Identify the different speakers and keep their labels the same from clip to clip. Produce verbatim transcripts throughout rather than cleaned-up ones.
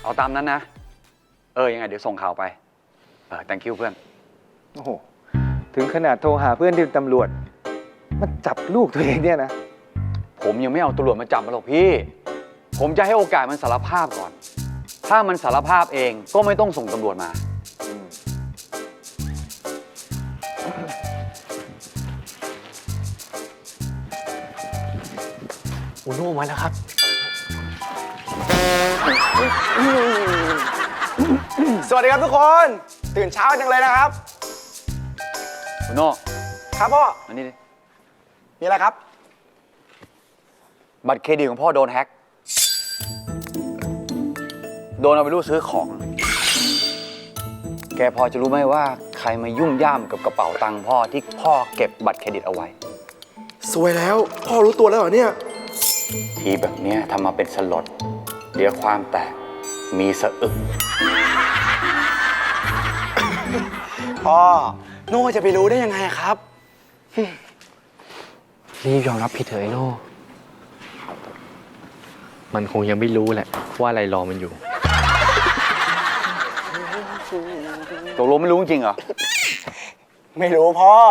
Speaker 1: เอาตามนั้นนะเออยังไงเดี๋ยวส่งข่าวไปเออ thank you เพื่อน
Speaker 2: โอ้โหถึงขนาดโทรหาเพื่อนที่เป็นตำรวจมาจับลูกตัวเองเนี่ยนะ
Speaker 1: ผมยังไม่เอาตำรวจมาจับมันหรอกพี่ผมจะให้โอกาสมันสารภาพก่อนถ้ามันสารภาพเองก็ไม่ต้องส่งตำรวจมา
Speaker 3: อูโน่มาแล้วครับ
Speaker 4: สวัสดีครับทุกคนตื่นเช้าจังเลยนะครับ
Speaker 1: คุณโน่
Speaker 4: ครับพ่อ
Speaker 1: อันนี้ดิ
Speaker 4: มีอะไรครับ
Speaker 1: บัตรเครดิตของพ่อโดนแฮ็กโดนเอาไปรูดซื้อของแกพอจะรู้ไหมว่าใครมายุ่งย่ามกับกระเป๋าตังค์พ่อที่พ่อเก็บบัตรเครดิตเอาไว้
Speaker 4: สวยแล้วพ่อรู้ตัวแล้วเหรอเนี่ย
Speaker 1: ทีแบบนี้ทำมาเป็นสลดเดี๋ยวความแตกมีสะอึก
Speaker 4: พ่อโน่จะไปรู้ได้ยังไงครับ
Speaker 3: รีบยอมรับผิดเถอะไอ้โน่มันคงยังไม่รู้แหละว่าอะไรรอมันอยู่
Speaker 1: ตกลงไม่รู้จริงเหรอ
Speaker 4: ไม่รู้พ่อ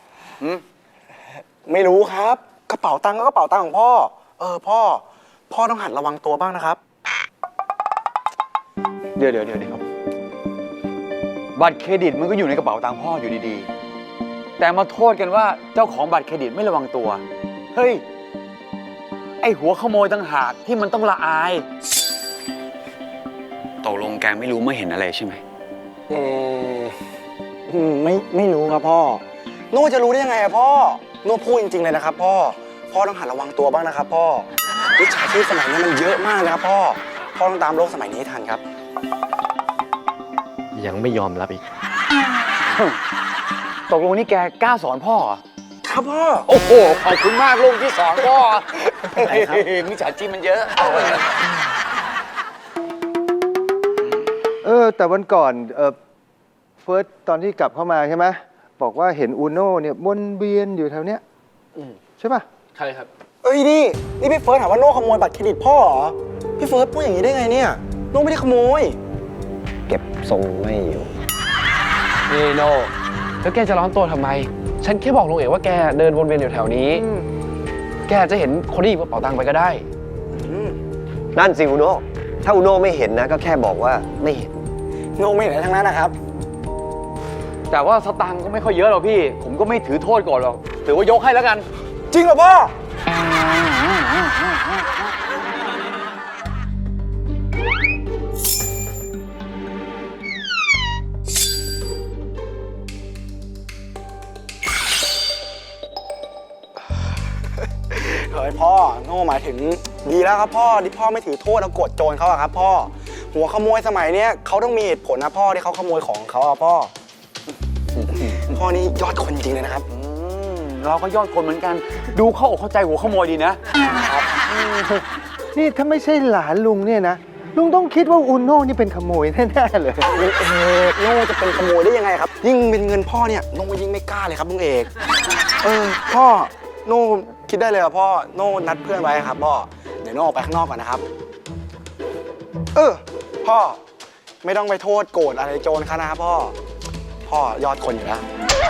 Speaker 4: ไม่รู้ครับกระเป๋าตังค์ก็กระเป๋าตังค์ของพ่อเออพ่อพ่อต้องหัดระวังตัวบ้างนะครับ
Speaker 1: เดี๋ยวเดี๋ยวเดี๋ยวบัตรเครดิตมันก็อยู่ในกระเป๋าตังค์พ่ออยู่ดีๆแต่มาโทษกันว่าเจ้าของบัตรเครดิตไม่ระวังตัวเฮ้ยไอหัวขโมยต่างหากที่มันต้องละอายตกลงแกไม่รู้ไม่เห็นอะไรใช่ไหม
Speaker 4: อืมไม่ไม่รู้ครับพ่อโน่จะรู้ได้ยังไงอะพ่อโน่พูดจริงๆเลยนะครับพ่อพ่อต้องหัดระวังตัวบ้างนะครับพ่อมิจฉาชีพสมัยนี้มันเยอะมากนะครับพ่อพ่อต้องตามโลกสมัยนี้ให้ทันครับ
Speaker 3: ยังไม่ยอมรับอีก
Speaker 1: ตกลงนี่แกกล้าสอนพ่อ
Speaker 4: ครับพ่อ
Speaker 1: โอ้โหขอบคุณมากลูกที่สอนพ่อมิจฉาชีพมันเยอะ
Speaker 2: เออแต่วันก่อนเออเฟิร์สตอนที่กลับเข้ามาใช่ไหมบอกว่าเห็นอูโน่เนี่ยวนเวียนอยู่แถวเนี้ยใช่ป่ะ
Speaker 3: ใช่ครับ
Speaker 4: เอ้ยนี่นี่พี่เฟิร์สถามว่าโน่ขโมยบัตรเครดิตพ่อเหรอพี่เฟิร์สพูดอย่างนี้ได้ไงเนี่ยโน่ไม่ได้ขโมย
Speaker 5: เก็บทรงไม่อยู่
Speaker 3: นี่โน่แล้วแกจะร้อนตัวทำไมฉันแค่บอกลุงเอ๋ว่าแกเดินวนเวียนอยู่แถวนี้แกจะเห็นคนที่หยิบกระเป๋าตังค์ไปก็ได้
Speaker 5: นั่นสิอุโน่ถ้าอุโน่ไม่เห็นนะก็แค่บอกว่าไม่เห็น
Speaker 4: โน่ไม่เห็นทั้งนั้นนะครับ
Speaker 1: แต่ว่าสตางค์ก็ไม่ค่อยเยอะหรอกพี่ผมก็ไม่ถือโทษก่อนหรอกถือว่ายกให้แล้วกัน
Speaker 4: จริงเหรอพ่อเฮ้ยพ่อโน่หมายถึงดีแล้วครับพ่อที่พ่อไม่ถือโทษแล้วกดโจรเขาอะครับพ่อหัวขโมยสมัยเนี้ยเขาต้องมีเหตุผลนะพ่อที่เขาขโมยของเขาอะพ่อพ่อนี่ยอดคนจริงเลยนะครับ
Speaker 1: เราก็ยอดคนเหมือนกันดูเข้าอกเข้าใจหัวขโมยดีนะครับ
Speaker 2: นี่ถ้าไม่ใช่หลานลุงเนี่ยนะลุงต้องคิดว่าอูโน่นี่เป็นขโมยแน่ๆเลย
Speaker 4: ลุงเอกโน่จะเป็นขโมยได้ยังไงครับยิ่งเป็นเงินพ่อเนี่ยโน่ยิ่งไม่กล้าเลยครับลุงเอกเออพ่อโน่คิดได้เลยว่าพ่อโน่นัดเพื่อนไว้ครับพ่อเดี๋ยวโน่ออกไปข้างนอกก่อนนะครับเออพ่อไม่ต้องไปโทษโกรธอะไรโจรเขานะครับพ่อพ่อยอดคนอยู่แล้ว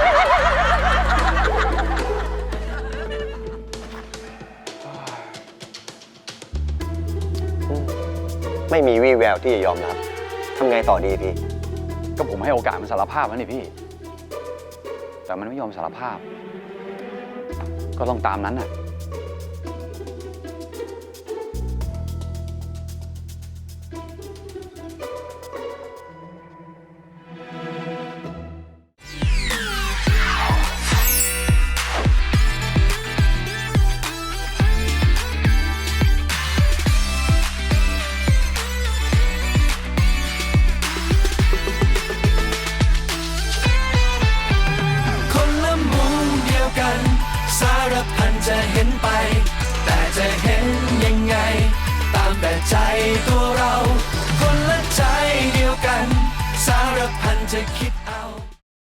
Speaker 5: ไม่มีวี่แววที่จะยอมรับทำไงต่อดีพี่
Speaker 1: ก็ผมให้โอกาสมันสารภาพแล้วนี่พี่แต่มันไม่ยอมสารภาพก็ต้องตามนั้นน่ะ
Speaker 6: สารพันจะเห็น